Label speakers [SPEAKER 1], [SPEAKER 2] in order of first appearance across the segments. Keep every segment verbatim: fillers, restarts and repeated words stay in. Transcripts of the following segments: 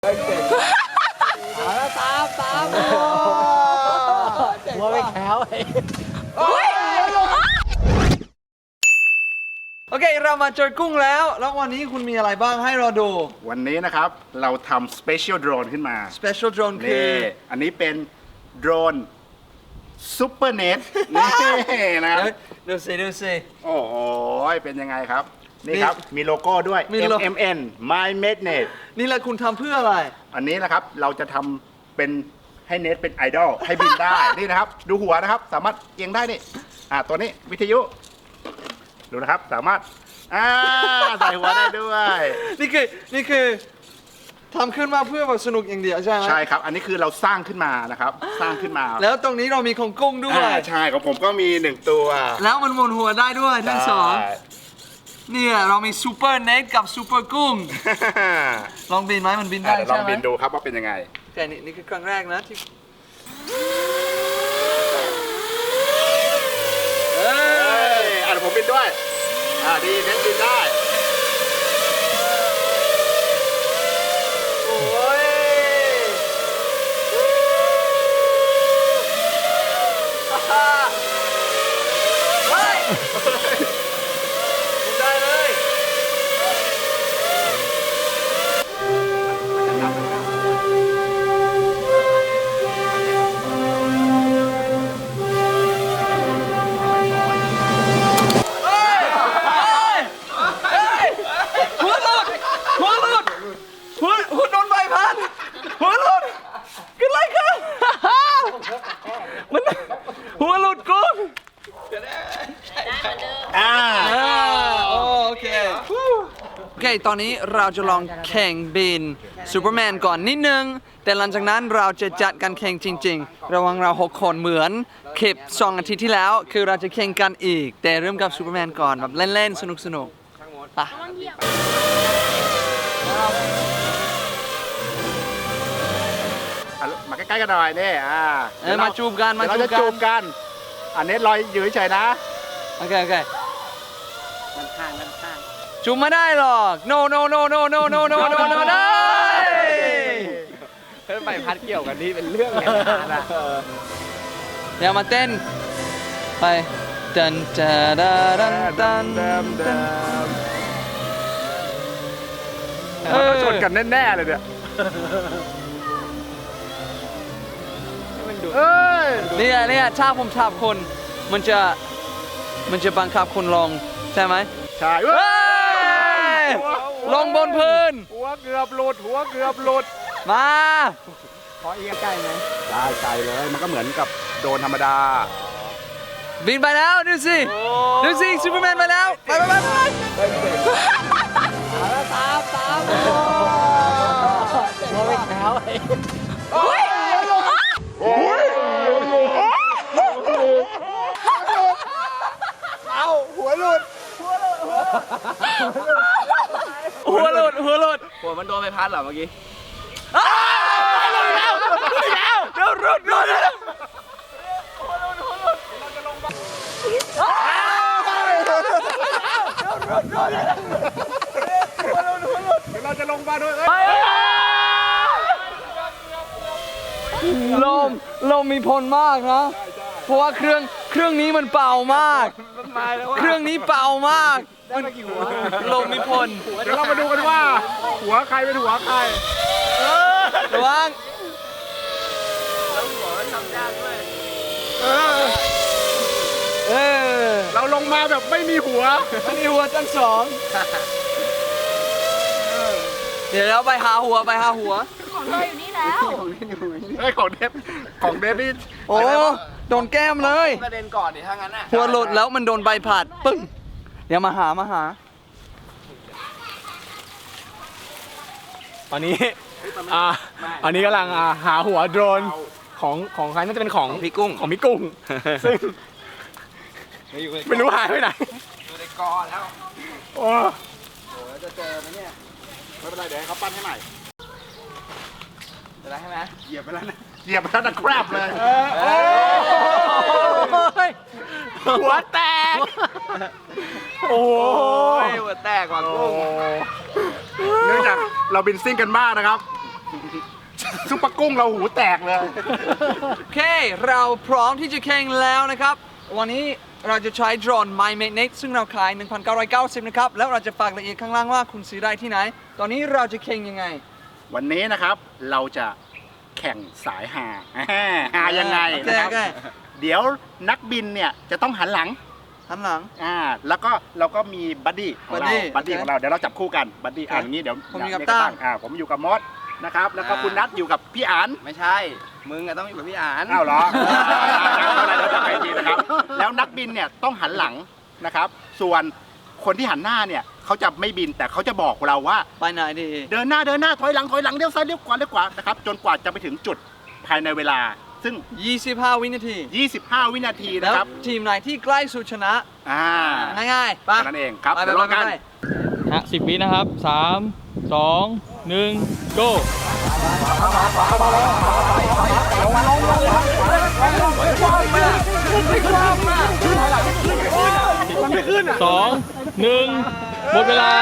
[SPEAKER 1] เอาแล้วตามตามหัวไม่แข็งโอเคเรามาเจอกุ้งแล้วแล้ววันนี้คุณมีอะไรบ้างให้เราดู
[SPEAKER 2] วันนี้นะครับเราทำ Special Drone ขึ้นมา
[SPEAKER 1] Special Drone คือ
[SPEAKER 2] อันนี้เป็นโดรนซูเปอร์เน็ตนี่นะครับ
[SPEAKER 1] ดูสิดูสิ
[SPEAKER 2] โอ้โหเป็นยังไงครับนี่ครับมีโลโก้ด้วย เอ็ม เอ็ม เอ็น My Magnet
[SPEAKER 1] นี่แหละคุณทำเพื่ออะไร
[SPEAKER 2] อันนี้นะครับเราจะทำเป็นให้เน็ตเป็นไอดอลให้บินได้นี่นะครับดูหัวนะครับสามารถเอียงได้นี่อ่าตัวนี้วิทยุดูนะครับสามารถอ่าใส่หัวได้ด้วย
[SPEAKER 1] นี่คือนี่คือทำขึ้นมาเพื่อแบบสนุกอย่างเดียวใช่ไหม
[SPEAKER 2] ใช่ครับอันนี้คือเราสร้างขึ้นมานะครับสร้างขึ้นมา
[SPEAKER 1] แล้วตรงนี้เรามีของกุ้งด้วย
[SPEAKER 2] ใช่ของผมก็มีหนึ่งตัว
[SPEAKER 1] แล้วมันหมุนหัวได้ด้วยทั้งสองเนี่ยเรามีซูเปอร์เน็ตกับซูเปอร์กุ้งลองบินไหมมันบินได้ใช่ไหม
[SPEAKER 2] ลองบินดูครับว่าเป็นยังไง
[SPEAKER 1] แต่นี่นี่คือครั้งแรกนะที่
[SPEAKER 2] เอ้ยอ่ะผมบินด้วยอ่าดีเน็ตบินได้
[SPEAKER 1] โอ้ยเฮ้ยบินได้เลยหัวหลุดกุ้ง
[SPEAKER 2] อ่า
[SPEAKER 1] โอเคโอเคตอนนี้เราจะลองแข่งบินซูเปอร์แมนก่อนนิดนึงแต่หลังจากนั้นเราจะจัดการแข่งจริงๆระหว่างเราหกคนเหมือนคลิปสองอาทิตย์ที่แล้วคือเราจะแข่งกันอีกแต่เริ่มกับซูเปอร์แมนก่อนแบบเล่นๆสนุกๆไป
[SPEAKER 2] มาใกล้ๆกันหน่อยนี่อ่า
[SPEAKER 1] เอ้ยมาจูบกันมาจูบกัน
[SPEAKER 2] เราจะจูบกันอันนี้ลอยอยู่เฉยๆนะ
[SPEAKER 1] โอเคโอเคมันข้างมันข้างจูบไม่ได้หรอก no no no no no no no no no ได้
[SPEAKER 2] เพิ่มไปพัดเกี่ยวกันนี่เป็นเรื่องเลยนะ
[SPEAKER 1] เดี๋ยวมาเต้นไปดันจาดาดันดันดัน
[SPEAKER 2] มันชนกันแน่ๆเลยเนี่ย
[SPEAKER 1] เนี่ยเนี่ยถ้าผมทับคนมันจะมันจะบังคับคนลงใช่ไหม
[SPEAKER 2] ใช่
[SPEAKER 1] ลงบนพื้น
[SPEAKER 2] หัวเกือบหลุดหัวเกือบหลุด
[SPEAKER 1] มา
[SPEAKER 2] ขอเอียงไกลไหมได้ไกลเลยมันก็เหมือนกับโดนธรรมดา
[SPEAKER 1] บินไปแล้วดูสิดูสิซูเปอร์แมนไปแล้วไปไปไปตามตามหัวไม่แข็ง
[SPEAKER 2] เอาหัวหลุดหัวหลุด
[SPEAKER 1] หัวหลุดหัวหลุด
[SPEAKER 3] หัวมันโดนใบพัดเหรอเมื่อกี้
[SPEAKER 1] หลุดแล้วหลุดแล้วเดี๋ยวหลุดหลุดหัวหลุดหัวหลุดเราจะลงมา
[SPEAKER 2] เราจะลงมาด้วย
[SPEAKER 1] ลมลมมีพลมากนะเพราะว่าเครื่องเครื่องนี้มันเป่ามากเครื่องนี้เป่ามากลมมีพล
[SPEAKER 2] เดี๋ยวเรามาดูกันว่าหัวใครเป็นหัวใคร
[SPEAKER 1] ระวัง
[SPEAKER 3] แล้วหัวมันทำยากด้วย
[SPEAKER 1] เออ
[SPEAKER 2] เราลงมาแบบไม่มีหัว
[SPEAKER 1] ไม่มีหัวทั้งสองเดี๋ยวเราไปหาหัวไปหาหัว
[SPEAKER 4] ของเธออยู่นี่แล้ว
[SPEAKER 2] ไอ้ของเดฟของเดฟนี่
[SPEAKER 1] โอ้โดนแก้มเลย
[SPEAKER 3] กระเด็นก่อนดิถ้างั้นอ่ะ
[SPEAKER 1] หัวหลุดแล้วมันโดนใบผัดปึ้งเดี๋ยวมาหามาหา
[SPEAKER 5] ตอนนี้อ่าอันนี้กำลังหาหัวโดรนของของใครน่าจะเป็นของ
[SPEAKER 1] พี่กุ้ง
[SPEAKER 5] ของพี่กุ้งซึ่งไม่รู้หายไปไหน
[SPEAKER 3] อยู่ในกอแล้ว
[SPEAKER 5] โอ้
[SPEAKER 2] โหจะเจอไหมเนี่ยไม่เป็นไรเดี๋ยวให้เขาปั้นให้ใหม่
[SPEAKER 3] จะได้ใช่ไหม
[SPEAKER 2] เหยียบไปแล้วนะเหยียบไปแล้วนะแครบเลย
[SPEAKER 1] หัวแตก
[SPEAKER 5] โอ้
[SPEAKER 3] ยหัวแตกว่ะกุ้ง
[SPEAKER 2] เนื่องจากเราบินซิ่งกันมากนะครับซุปเปอร์กุ้งเราหูแตกเลย
[SPEAKER 1] โอเค เราพร้อมที่จะแข่งแล้วนะครับ วันนี้เราจะใช้โดรน MyMagnet ซึ่งเราขาย หนึ่งพันเก้าร้อยเก้าสิบ นะครับ แล้วเราจะฝากรายละเอียดข้างล่างว่าคุณซื้อได้ที่ไหน ตอนนี้เราจะแข่งยังไง
[SPEAKER 2] วันนี้นะครับเราจะแข่งสายหาหายังไง
[SPEAKER 1] โอเค
[SPEAKER 2] นะครับ
[SPEAKER 1] โอเค
[SPEAKER 2] เดี๋ยวนักบินเนี่ยจะต้องหันหลัง
[SPEAKER 1] หันหลัง
[SPEAKER 2] อ่าแล้วก็เราก็มีบัดดี้ของเรา
[SPEAKER 1] buddy
[SPEAKER 2] บัดดี้
[SPEAKER 1] โอเค
[SPEAKER 2] ของเราเดี๋ยวเราจับคู่กันบัดดี้อ่า
[SPEAKER 1] โอเค
[SPEAKER 2] อย่างนี้เดี๋ยว
[SPEAKER 1] ผมอยู่กับ
[SPEAKER 2] เดี๋ว
[SPEAKER 1] ตั้ง
[SPEAKER 2] อ่าผมอยู่กับมดนะครับแล้วก็
[SPEAKER 3] อ่า
[SPEAKER 2] คุณนัทอยู่กับพี่อัน
[SPEAKER 3] ไม่ใช่ มึงอะต้องอยู่กับพี่อ่าน
[SPEAKER 2] อ้าวเหรอเอาละเดี๋ยวจะไปทีนะครับแล้วนักบินเนี่ยต้องหันหลังนะครับ ส่วนคนที่หันหน้าเนี่ยเขาจะไม่บินแต่เขาจะบอกเราว่า
[SPEAKER 1] ไปไหนดี
[SPEAKER 2] เดินหน้าเดินหน้าถอยหลังถอยหลังเลี้ยวซ้ายเลี้ยวขวาเลี้ยวขวานะครับจนกว่าจะไปถึงจุดภายในเวลา ซึ่ง
[SPEAKER 1] ยี่สิบห้า วินาที
[SPEAKER 2] ยี่สิบห้า วินาที
[SPEAKER 1] แล้
[SPEAKER 2] นะ
[SPEAKER 1] ว
[SPEAKER 2] ครับ
[SPEAKER 1] ทีมไหนที่ใกล้สุดชนะ
[SPEAKER 2] อ่า
[SPEAKER 1] ง่ายๆไป
[SPEAKER 2] แค่นั้นเองครับ
[SPEAKER 1] ไปไป
[SPEAKER 2] เดี๋ยว
[SPEAKER 1] ไป
[SPEAKER 2] รอกัน
[SPEAKER 1] ไป
[SPEAKER 5] ฮะสิบวินะครับสามสองหนึ่ง go สองหนึ่งหมดเวลา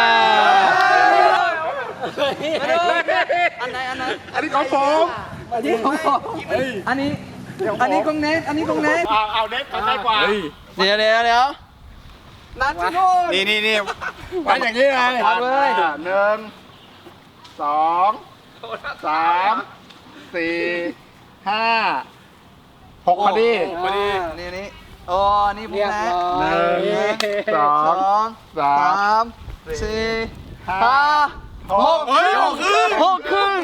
[SPEAKER 1] อันไหนอันไหน
[SPEAKER 2] อันนี้ของผม
[SPEAKER 1] อันนี้ของผมอันนี้ อันนี้ของเนทอันนี้ของเนท
[SPEAKER 2] เอาเอาเน็ตใกล้กว่า
[SPEAKER 1] เดี๋ยวเดี๋ยวเดี๋ยวนัดที่นู่น
[SPEAKER 2] นี่นี่นี่วัดอย่างนี้ไง
[SPEAKER 1] วัดเลย
[SPEAKER 2] อ่าหนึ่งสองสามสี่ห้าหกพอดี
[SPEAKER 1] พอดีนี่นี่โอ้นี่ผมแพ้
[SPEAKER 2] หนึ่งสอ
[SPEAKER 1] ส
[SPEAKER 2] ง
[SPEAKER 1] อง
[SPEAKER 2] สา
[SPEAKER 1] สาม มสี่ห้าหก
[SPEAKER 2] เฮ้ยหกครึ่ง
[SPEAKER 1] หกครึ่ง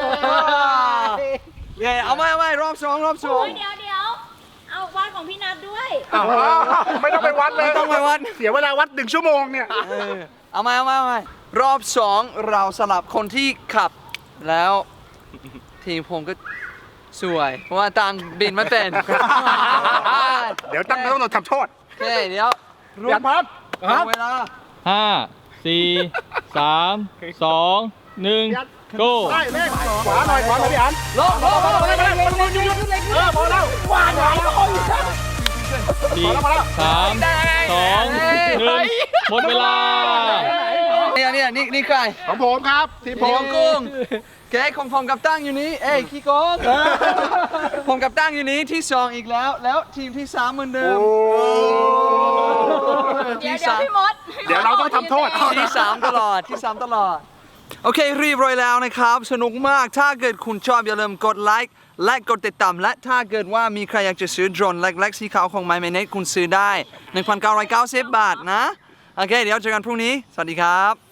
[SPEAKER 1] เย้เอาไหมเอาไหมรอบสองรอบสอง
[SPEAKER 4] โอ้ยเดี๋ยวเดี๋ยวเอาวัดของพี่นัทด้วย
[SPEAKER 2] อ้าวไม่ต้องไปวัดเลย
[SPEAKER 1] ไม่ต้องไปวัด
[SPEAKER 2] เสียเวลาวัดหนึ่งชั่วโมงเนี่ย
[SPEAKER 1] เออเอาไหมเอาไหมเอาไหมรอบสองเราสลับคนที่ขับ แล้วทีมผมก็สวย เพราะว่าตังบินไม่เป็น
[SPEAKER 2] เดี๋ยวตั้งต้องโดนทำโทษ
[SPEAKER 1] โอเคเดี๋ยวรว
[SPEAKER 2] ยั
[SPEAKER 1] ม
[SPEAKER 2] นพับ
[SPEAKER 1] เอาเวลา
[SPEAKER 5] ห้าสี่สามสองหนึ่ง go
[SPEAKER 2] ได้เลขขวาหน่อยขวาหน่อยพี่อัน
[SPEAKER 1] ลงลงลง
[SPEAKER 2] ไปไปไปหยุดหยุดหยุดเออพอแล้วขวาหน่อย
[SPEAKER 5] สี่สามสองหนึ่งหมดเวลา
[SPEAKER 1] เนี่ยเนี่ยนี่นี่ใคร
[SPEAKER 2] ของผมครับทีมผ
[SPEAKER 1] นี่ข
[SPEAKER 2] ม
[SPEAKER 1] องกุ้งแกของผมกับตั้งอยู่นี้ เอ้ยขี้โกงผมกับตั้งอยู่นี้ที่สองอีกแล้ว แล้วทีมที่สามเหมือนเดิม
[SPEAKER 4] เดี๋ยว
[SPEAKER 1] ที่
[SPEAKER 4] เดี๋ยว
[SPEAKER 1] สาม
[SPEAKER 4] พี่มด
[SPEAKER 2] เดี๋ยวเราต้องทำโทษ
[SPEAKER 1] ที่สามตลอดที่สามตลอด โอเคเรียบร้อยแล้วนะครับ สนุกมากถ้าเกิดคุณชอบอย่าลืมกดไลค์และกดติดตามและถ้าเกิดว่ามีใครอยากจะซื้อโดรนเล็กๆสีขาวของ MyMagnet คุณซื้อได้ หนึ่งพันเก้าร้อยเก้าสิบ บาทนะ โอเค เดี๋ยวเจอกันพรุ่งนี้ สวัสดีครับ